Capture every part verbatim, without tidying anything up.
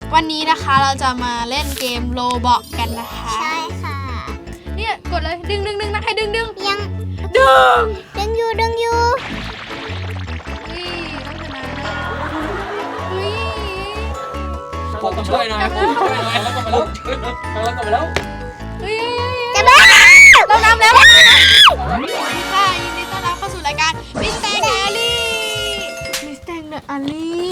วันนี้นะคะเราจะมาเล่นเกมโรบล็อกกันนะคะใช่ค่ะเนี่ยกดเลยดึงดึงดึงนะใครดึงดึงยังดึงดึงอยู่ดึงอยู่อุ้ยต้องชนะอุ้ยผมช่วยหน่อยผมช่วยหน่อยแล้วก็มาแล้วแล้วก็มาแล้วเฮ้ยจะบ้าเรานำแล้วค่ะยินดีต้อนรับเข้าสู่รายการมิสแตงแอลลี่มิสแตงเดอะแอลลี่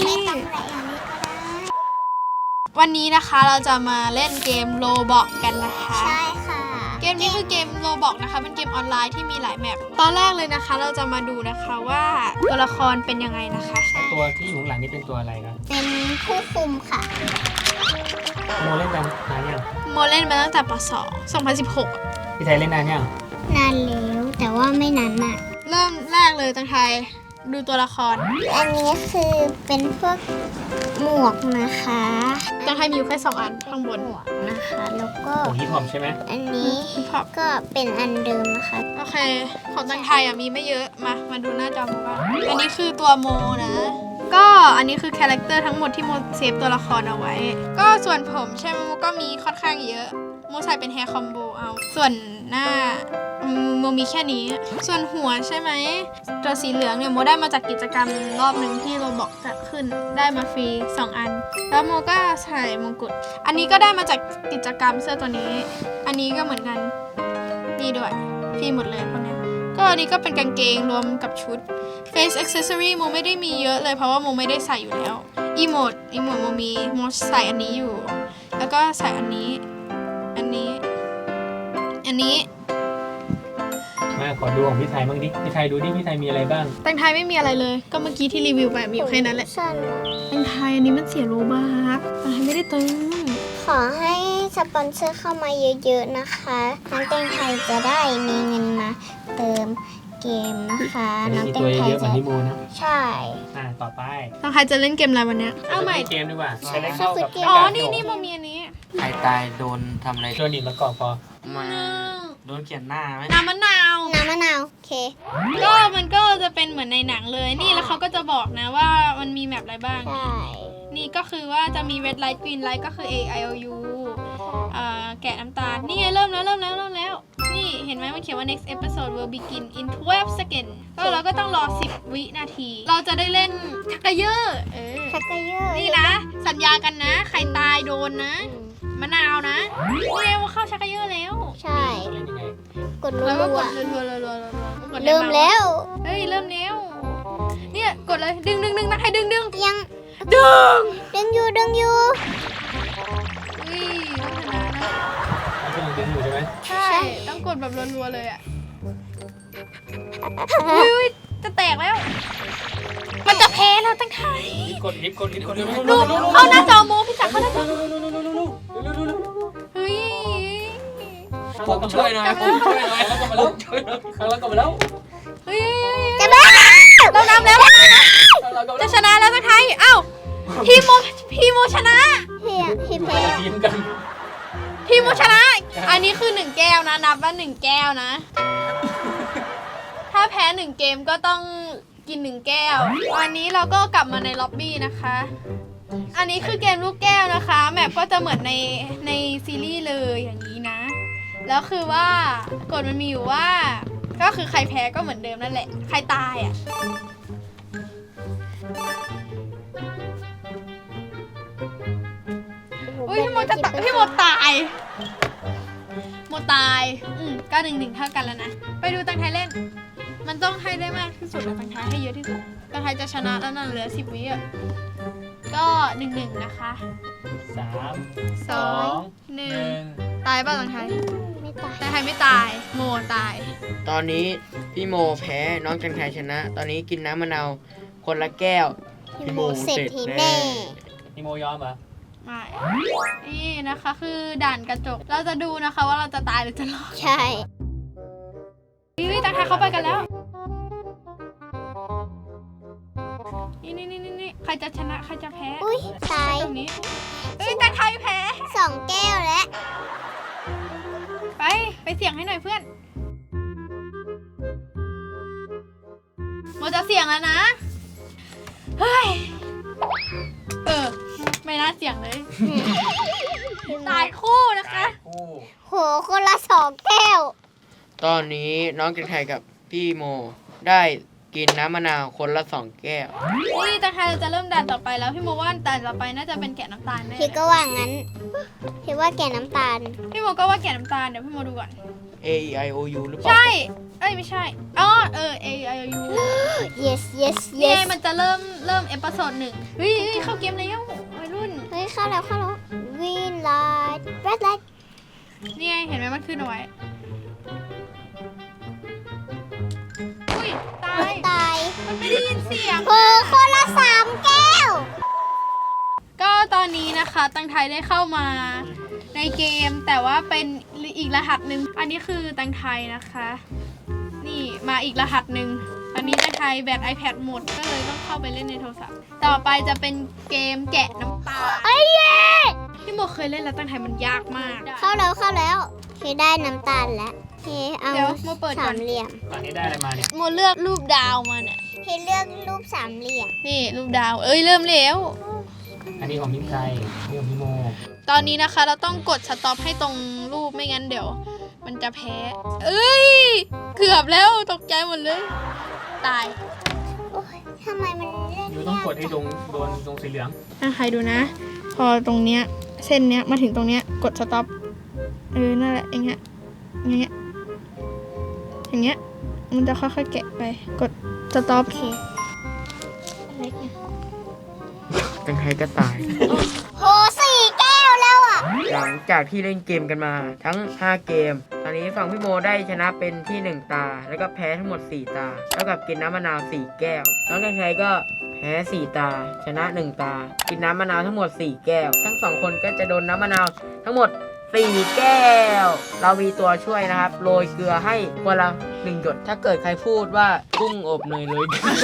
วันนี้นะคะเราจะมาเล่นเกมโรบล็อกกันนะคะใช่ค่ะเกมนี้คือเกมโรบล็อกนะคะเป็นเกมออนไลน์ที่มีหลายแมปตอนแรกเลยนะคะเราจะมาดูนะคะว่าตัวละครเป็นยังไงนะคะตัวที่อยู่ข้างหลังนี่เป็นตัวอะไรครับเป็นผู้คุมค่ะโมเล่นนานนานยังโมเล่นมาตั้งแต่ป.สอง สองพันสิบหกพี่ไทยเล่นนานยังนานแล้วแต่ว่าไม่นานมากเริ่มแรกเลยตังไทยดูตัวละครอันนี้คือเป็นพวกหมวกนะคะตังไทยมีอยู่แค่สองอันข้างบนหมวกนะคะแล้วก็โอ้ฮิปฮอปใช่ไหมอันนี้ก็เป็นอันเดิมนะคะโอเคของตังไทยอ่ะมีไม่เยอะมามาดูหน้าจอโมบ้างอันนี้คือตัวโมนะก็อันนี้คือคาแรคเตอร์ทั้งหมดที่โมเซฟตัวละครเอาไว้ก็ส่วนผมใช่ไหมโมก็มีค่อนข้างเยอะโมใส่เป็นแฮร์คอมโบเอาส่วนหน้าโมมีแค่นี้ส่วนหัวใช่ไหมตัวสีเหลืองเนี่ยโมได้มาจากกิจกรรมรอบหนึ่งที่โรบล็อกจัดขึ้นได้มาฟรีสองอันแล้วโมก็ใส่มงกุฎอันนี้ก็ได้มาจากกิจกรรมเสื้อตัวนี้อันนี้ก็เหมือนกันนี่ด้วยฟรีหมดเลยพวกนี้ก็อันนี้ก็เป็นกางเกงรวมกับชุด Face Accessory โมไม่ได้มีเยอะเลยเพราะว่าโมไม่ได้ใส่อยู่แล้วอีโมดอีโมดโมมีโมใส่อันนี้อยู่แล้วก็ใส่อันนี้อันนี้อันนี้มาขอดูของพี่ไทยบ้างดิพี่ไทยดูดิพี่ไทยมีอะไรบ้างตังไทยไม่มีอะไรเลยก็เมื่อกี้ที่รีวิวไปมีอยู่แค่นั้นแหละตังไทยอันนี้มันเสียโลบาร์ตังไทยไม่ได้เติมขอให้สปอนเซอร์เข้ามาเยอะๆนะคะน้องแตงไทยจะได้มีเงินมาเติมเกมนะคะน้องแตงไทยจะใช่อ่าต่อไปตังไทยจะเล่นเกมอะไรวันนี้เอาใหม่เกมดีกว่าใช้ได้เข้ากับอ๋อนี่นี่โมมีอันนี้ใครตายโดนทำอะไรโดนหนีบมะกอกพอมาโดนเขียนหน้าไหมน้ำมะนาวน้ำมะนาวโอเคก็มันก็จะเป็นเหมือนในหนังเลยนี่แล้วเขาก็จะบอกนะว่ามันมีแมปอะไรบ้างใช่นี่ก็คือว่าจะมี red light green light ก็คือ A I O U อ่าแกะน้ำตาลนี่ไงเริ่มแล้วเริ่มแล้วเริ่มแล้วนี่เห็นไหมมันเขียนว่า next episode will begin in twelve seconds ก็เราก็ต้องรอสิบวินาทีเราจะได้เล่นชักกะเยอะเออชักกะเยอะนี่นะสัญญากันนะใครตายโดนนะมะนาวนะนี่ไงว่าเข้าชักกะเยอะแล้วใช่กดรัวแล้วก็กดรัวๆเริ่มแล้วเฮ้ยเริ่มแล้วเนี่ยกดเลยดึงดึงดึงนะใครดึงดึงยังดึงดึงอยู่ดึงอยู่อุ้ยต้องชนะนะต้องดึงอยู่ใช่ไหมใช่ต้องกดแบบรัวๆเลยอ่ะอุ้ยจะแตกแล้วมันจะแพ้แล้วตั้งไทยรีบกดรีบกดรีบกดดูเอาหน้าจอโมพี่จักรเขาหน้าจอเฮ้ยผมช่วยหน่อยผมช่วยหน่อยแล้วก็มาแล้วช่วยหน่อยแล้วก็มาแล้วเฮ้ยจะบ้าเรานำแล้วจะชนะแล้วตั้งไทยเอ้าทีมโมทีมโมชนะเฮียทีมแพ้ทีมกันทีมโมชนะอันนี้คือหนึ่งแก้วนะนับว่าหนึ่งแก้วนะถ้าแพ้หนึ่งเกมก็ต้องกินหนึ่งแก้ววันนี้เราก็กลับมาในล็อบบี้นะคะอันนี้คือเกมลูกแก้วนะคะแมปก็จะเหมือนในในซีรีส์เลยอย่างนี้นะแล้วคือว่ากฎมันมีอยู่ว่าก็คือใครแพ้ก็เหมือนเดิมนั่นแหละใครตายอ่ะอุ้ยพี่โมจะตายพี่โมตายโมตายอืมก็หนึ่งหนึ่งเท่ากันแล้วนะไปดูตังไทยเล่นมันต้องให้ได้มากที่สุดแล้วตังไทยให้เยอะที่สุดตังไทยจะชนะแล้วนั่นเหลือสิบวิอ่ะก็หนึ่งหนึ่งนะคะสามสองหนึ่งตายป่ะตังไทยไม่ตายตังไทยไม่ตายโมตายตอนนี้พี่โมแพ้น้องจังไทยชนะตอนนี้กินน้ำมะนาวคนละแก้วพี่โมเสร็จทีแน่พี่โมยอมเหรอไม่นี่นะคะคือด่านกระจกเราจะดูนะคะว่าเราจะตายหรือจะรอดใช่พี่ตังไทยเขาไปกันแล้วนี่นี่นี่นี่ใครจะชนะใครจะแพ้อุ้ยตายตรงนี้เฮ้ยตังไทยแพ้สองแก้วแล้วไปไปเสี่ยงให้หน่อยเพื่อนโมจะเสี่ยงแล้วนะเฮ้ยเออไม่น่าเสี่ยงเลย ตายคู่นะคะคู่โหคนละสองแก้วตอนนี้น้องจังไทยกับพี่โมได้กินน้ำมะนาวคนละสองแก้วนี่ตาไทยเราจะเริ่มด่านต่อไปแล้วพี่โมว่าด่านต่อไปน่าจะเป็นแกะน้ำตาลแน่พี่ก็ว่างั้น พี่ว่าแกน้ำตาลพี่โมก็ว่าแกะน้ำตาลเดี๋ยวพี่โมดูก่อน A E I O U หรือเปล่าใช่ เอ้ยไม่ใช่อ๋อเออ A I O U yes yes นี่ไง yes มันจะเริ่มเริ่มเอพิโซดหนึ่งเฮ้ยเฮ้ยเข้าเกมแล้ววัยรุ่นเฮ้ยเข้าแล้วเข้าแล้ว green light red light นี่ไงเห็นไหมมันขึ้นเอาไว้อุ้ยตายตายมันไม่ได้ยินเสียงโหคนละสามแก้วก็ตอนนี้นะคะตังไทยได้เข้ามาในเกมแต่ว่าเป็นอีกรหัสหนึ่งอันนี้คือตังไทยนะคะ นี่มาอีกรหัสหนึ่งตอนนี้ตังไทยแบต iPad หมดก็เลยต้องเข้าไปเล่นในโทรศัพท์ต่อไปจะเป็นเกมแกะน้ำตาลไอ้เย่พี่โมเคยเล่นแล้วตังไทยมันยากมากเข้าแล้วเข้าแล้วพี่ได้น้ำตาลแล้วพี่เอาเดี๋ยวโมเปิดก่สาอนมเหลี่ยมตอนนี้ได้อะไรมาเนี่ยโมเลือกรูปดาวมาเนี่ยพี่เลือกรูปสามเหลี่ยมนี่รูปดาวเอ้ยเริ่มแล้วอันนี้ของมิ้นไทยนี่ของพี่โมตอนนี้นะคะเราต้องกดสต็อปให้ตรงรูปไม่งั้นเดี๋ยว มันจะแพ้ เอ้ย เกือบแล้วตกใจหมดเลย ตายโอ้ยทำไมมันเล่นอยู่ต้องกดให้ตรงโดนตรงสีเหลืองอ่ะใครดูนะ พอตรงเนี้ยเส้นเนี้ยมาถึงตรงเนี้ยกดสต็อปเออนั่นแหละอย่างเงี้ยอย่างเงี้ยอย่างเงี้ยมันจะค่อยๆแกะไปกดสต็อปจังไทยก็ตายโหสี่แก้วแล้วอ่ะหลังจากที่เล่นเกมกันมาทั้งห้าเกม ตอนนี้ฝั่งพี่โมได้ชนะเป็นที่หนึ่งตา แล้วก็แพ้ทั้งหมดสี่ตาเท่ากับกินน้ำมะนาวสี่แก้ว น้องจังไทยก็แพ้สี่ตา ชนะหนึ่งตา กินน้ำมะนาวทั้งหมดสี่แก้ว ทั้งสองคนก็จะโดนน้ำมะนาวทั้งหมดสี่แก้ว เรามีตัวช่วยนะครับ โรยเกลือให้คนละหนึ่งหยด ถ้าเกิดใครพูดว่ากุ้งอบเนยเลย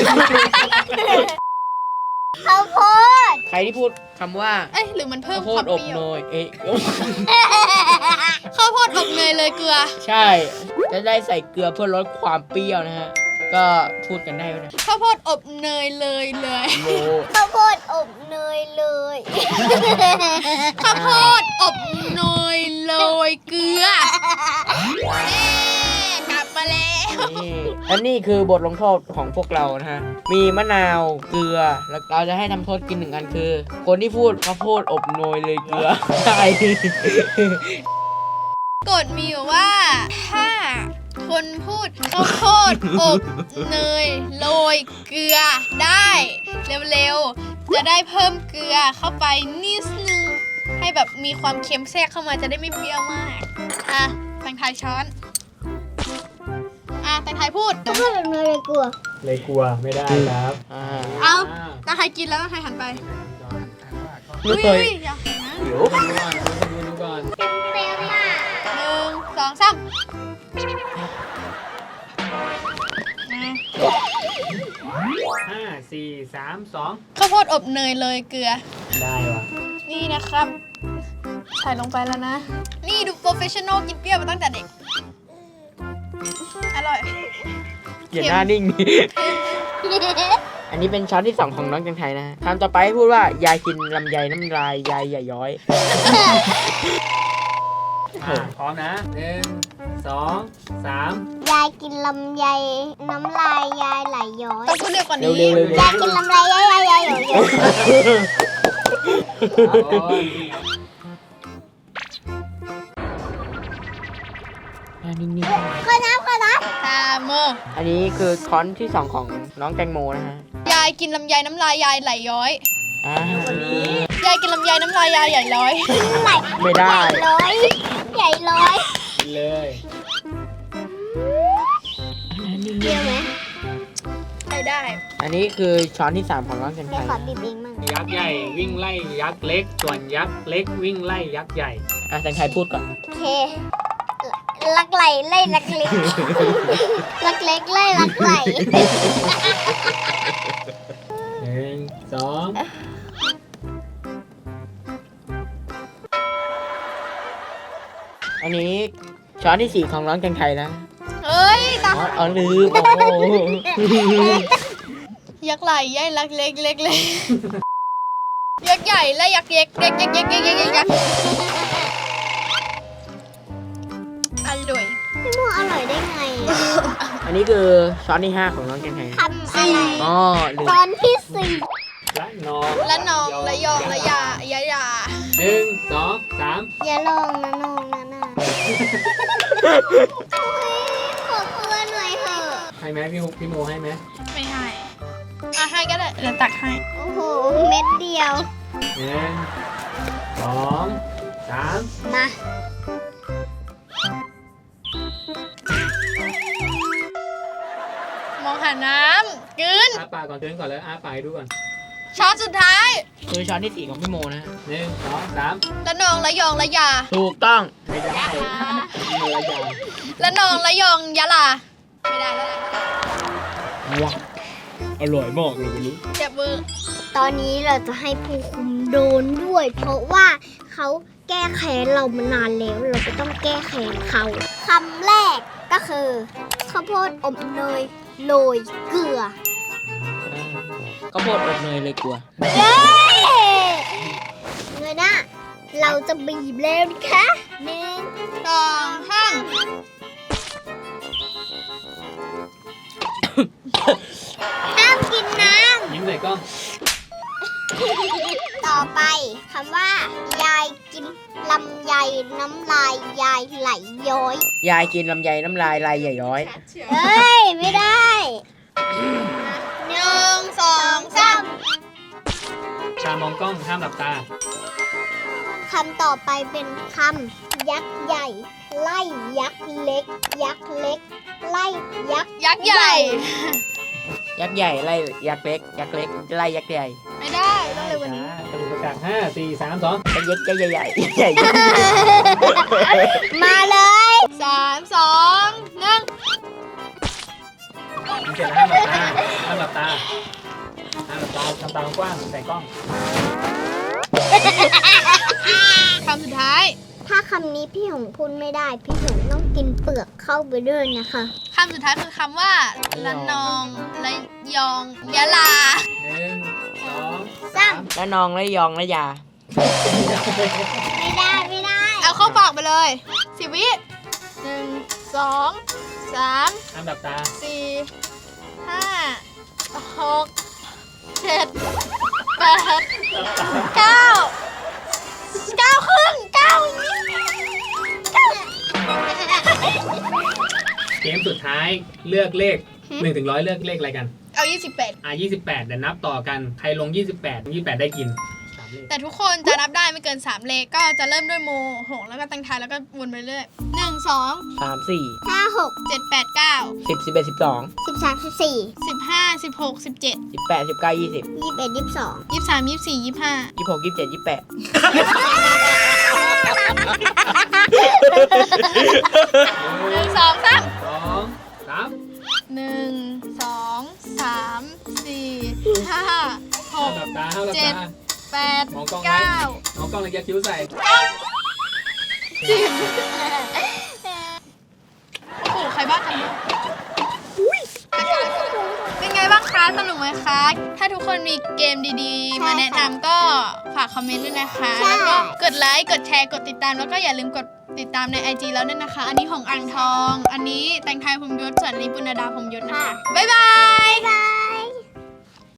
ข้าวโพดใครที่พูดคำว่าเอ้ยหรือมันเพิ่ข้าม วโพควาดมอบเปรี้ยวเนยเอ๊ะข้าวโพดอบเนยเลยเกลือใช่ จะได้ใส่เกลือเพื่อลดความเปรี้ยวนะฮะ ก็พูดกันได้นะข้าวโพดอบเนยเลยเลยโมข้าวโพดอบเนยเลยข้าวโพดอบเนยโรยเกลือเอ๊กลับมาแล้วนี่และนี่คือบทลงโทษของพวกเรานะฮะ มีมะนาว เกลือ แล้วเราจะให้ทำโทษกินหนึ่งอันคือ คนที่พูดข้าวโพดอบโนยเลยเกลือ ใช่กฎมีอยู่ว่าถ้าคนพูดข้าวโพดอบเนยโรยเกลือได้เร็วๆจะได้เพิ่มเกลือเข้าไปนิดนึงให้แบบมีความเค็มแทรกเข้ามาจะได้ไม่เปรี้ยวมากอ่ะแตงไทยช้อนอ่ะแตงไทยพูดข้าวโพดอบเนยเลยกลัวเลยกลัวไม่ได้ครับอ่าเอาแตงไทยกินแล้วแตงไทยหันไปไม่อุ้ยเคยอุ้ยอย่าหันนะเดี๋ยวดูก่อนดูดูก่อนเปรี้ยวมากหนึ่งสองสามอ่ะห้าสี่สามสองข้าวโพดอบเนยเลยเกลือได้ว่ะนี่นะครับใส่ลงไปแล้วนะ นี่ดูโปรเฟชชั่นอลกินเปรี้ยวมาตั้งแต่เด็ก อร่อยเกลียดหน้านิ่ง อันนี้เป็นช้อนที่สองของน้องจังไทยนะฮะคำต่อไปให้พูดว่ายายกินลำไยน้ำลายยายอย่าย้อยอ่ะพร้อมนะหนึ่งสองสามยายกินลำไยน้ำลายยายไหลย้อยต้องพูดเร็วกว่าเร็นี้วเร็วเร็วยายกินลำลายยายยายยายย้อยโอ้ยหน้านิ่งขอน้ำขอน้ตาโมๆอันนี้คือช้อนที่สองของน้องแตงโมนะฮะยายกินลำไยน้ำลายยายไหลย้อยอ่ายายกินลำไยน้ำลายยายใหญ่ร้อยำไหลไม่ได้ร้อยใหญ่ร้อยกินเลยเปรี้ยวไหมไม่ได้อันนี้คือช้อนที่สามของน้องจันไทเดี๋ยวย ขอนะบีบเองมั่งยักษ์ใหญ่วิ่งไล่ยักษ์เล็ก ส่วนยักษ์เล็กวิ่งไล่ยักษ์ใหญ่อ่ะจันไทยพูดก่อนโอเค ลักไหลไล่ลักเล็ก ลักเล็กไล่ลักไหลหนึ่งสองอันนี้ช้อนที่สี่ของน้องจันไทยนะเฮ้ยตาอ๋ออ๋อลืมโอ้โหยักษ์ไหลยายลักเล็กเล็กเล็กยักษ์ใหญ่ญ่และยักษ์เย็กเย็กเย็กเย็กเย็กเย็กเย็กอร่อยพี่โมอร่อยได้ไงอันนี้คือช้อนที่ห้าของน้องแกงไทยทำอะไรอ๋อลืมตอนที่สี่และนองและนองและยองและยายายาหนึ่งสองสามอย่าลองนะน้องนะน่ะขอเพื่อนหน่อยเถอะให้ไหมพี่ฮุกพี่โมให้ไหมไม่ให้อ่ะให้ก็ได้เดี๋ยวตักให้โอ้โหเม็ดเดียวหนึ่งสองสามมามองหาน้ำกลืนอ้าปากก่อนเตือนก่อนเลยอ้าปากให้ดูก่อนช้อนสุดท้ายคือช้อนที่สี่ของพี่โมนะฮะหนึ่งสองสามและนองและยองและยาถูกต้องไม่ได้พี่โมยาวและนองและยองยะลาไม่ได้แล้วว้าวอร่อยมากเลยวันนี้เจ็บมือตอนนี้เราจะให้ผู้คุมโดนด้วย เพราะว่าเขาแก้แค้นเรามานานแล้ว เราจะต้องแก้แค้นเขาคำแรกก็คือข้าวโพดอบเนยโรยเกลือก็โพดอบเนยเลยกลัวเย้เงยหน้าเราจะบีบแล้วนะคะหนึ่งสองห้ามห้ามกินน้ยิ้มใส่กล้องำต่อไปคำว่า ยายกินลำไยน้ำลายยายไหลย้อยยายกินลำไยน้ำลายลายใหญ่ย้อยเฮ้ย ไม่ได้หนึ่งสองสามตามองกล้องห้ามหลับตาคำต่อไปเป็นคำยักษ์ใหญ่ ไล่ยักษ์เล็ก ยักษ์เล็ก ไล่ยักษ์ยักษ์ใหญ่ยักษ์ใหญ่ไล่ยักษ์เล็ก ยักษ์เล็กไล่ยักษ์ใหญ่ไม่ได้ต้องเร็วกว่านี้สรุปประกาศห้าสี่สามสองยักษ์ใหญ่ใหญ่ใหญ่มาเลยสามสองหนึ่งยิ้มเสร็จแล้วห้ามหลับตาห้ามหลับตาห้ามหลับตาทำตากว้างใส่กล้องคำสุดท้ายถ้าคำนี้พี่หงพูดไม่ได้ พี่หงต้องกินเปลือกเข้าไปด้วยนะคะคำสุดท้ายคือคำว่าละนองละยองยะลาหนึ่งสองสามแล้วนองแล้วยองแล้วยาไม่ได้ไม่ได้เอาเข้าปากไปเลยสิบวิหนึ่งสองสามห้ามหลับตาสี่ห้าหกเจ็ดแปดเก้าเก้าครึ่งเก้ายี่สิบเก้าเกมสุดท้ายเลือกเลขหนึ่งถึงร้อยเลือกเลขอะไรกันเอายี่สิบแปดอ่ะยี่สิบแปดเดี๋ยวนับต่อกัน ใครลงยี่สิบแปด ยี่สิบแปดได้กินสามเลขแต่ทุกคนจะนับได้ไม่เกินสามเลขก็จะเริ่มด้วยโมหงแล้วก็ตังไทายแล้วก็วนไปเรื่อยหนึ่งสองสามสี่ห้าหกเจ็ดแปดเก้าสิบสิบเอ็ดสิบสองสิบสามสิบสี่สิบห้าสิบหกสิบเจ็ดสิบแปดสิบเก้ายี่สิบยี่สิบเอ็ดยี่สิบสองยี่สิบสามยี่สิบสี่ยี่สิบห้ายี่สิบหกยี่สิบเจ็ดยี่สิบแปดหนึ่งสองสามสองสามหนึ่งสองสามสี่ห้าหห้ามกหลับตาห้ามหลับเจ็ดตาแปดมองกล้องไว้เก้าน้องกล้องเลยยักคิ้วใส่สิบโอ้โหใครบ้างกันเนี่ยเป็นไงบ้างคะสนุกไหมคะ ถ้าทุกคนมีเกมดีๆ มาแนะนำก็ฝากคอมเมนต์ด้วยนะคะ แล้วก็กดไลค์ กดแชร์ กดติดตาม แล้วก็อย่าลืมกดติดตามใน ไอ จี แล้วด้วยนะคะ อันนี้ของอ่างทอง อันนี้แตงไทยพรหมยศ ส่วนอันนี้ปุณณดาพรหมยศนะคะ บ๊ายบายบ๊ายบาย